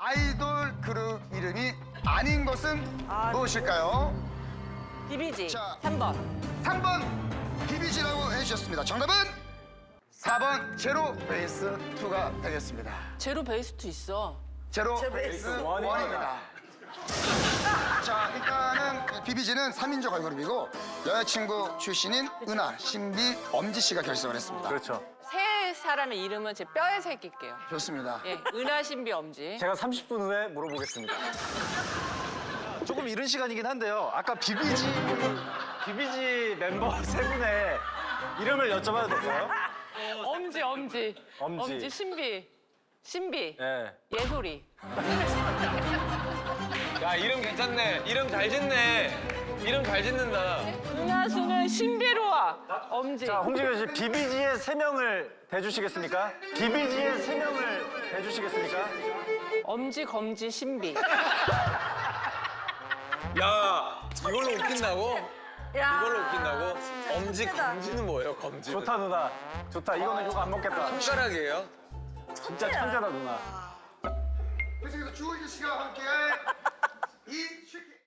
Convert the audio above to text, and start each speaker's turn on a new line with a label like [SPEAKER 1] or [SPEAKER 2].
[SPEAKER 1] 아이돌 그룹 이름이 아닌 것은 무엇일까요?
[SPEAKER 2] 비비지.
[SPEAKER 1] 자.
[SPEAKER 2] 3번.
[SPEAKER 1] 3번 비비지라고 해주셨습니다. 정답은 4번 제로 베이스 2가 되겠습니다.
[SPEAKER 2] 제로 베이스2 있어.
[SPEAKER 1] 제로 베이스 1입니다. 자, 일단은 비비지는 3인조 걸그룹이고 여자친구 출신인 은하, 신비, 엄지 씨가 결성을 했습니다.
[SPEAKER 3] 그렇죠.
[SPEAKER 2] 세 사람의 이름은 제 뼈에 새길게요.
[SPEAKER 1] 좋습니다.
[SPEAKER 2] 예, 은하, 신비, 엄지.
[SPEAKER 3] 제가 30분 후에 물어보겠습니다. 조금 이른 시간이긴 한데요. 아까 비비지 멤버 세 분의 이름을 여쭤봐도 될까요?
[SPEAKER 2] 엄지, 엄지.
[SPEAKER 3] 엄지.
[SPEAKER 2] 신비.
[SPEAKER 3] 네.
[SPEAKER 2] 예솔이.
[SPEAKER 4] 야, 이름 괜찮네. 이름 잘 짓네. 이름 잘 짓는다.
[SPEAKER 2] 은하수는 신비로워. 엄지.
[SPEAKER 3] 자, 홍진경 씨, 비비지의 세 명을 대주시겠습니까? 비비지의 세 명을 대주시겠습니까?
[SPEAKER 2] 엄지, 검지, 신비.
[SPEAKER 4] 야, 이걸로 웃긴다고? 이걸로 웃긴다고? 엄지, 검지는 뭐예요, 검지?
[SPEAKER 3] 좋다, 누나. 좋다. 이거는 욕 안 먹겠다.
[SPEAKER 4] 손가락이에요?
[SPEAKER 3] 진짜 천재다, 누나.
[SPEAKER 1] 계속해서 주호진 씨가 함께할 이 슈키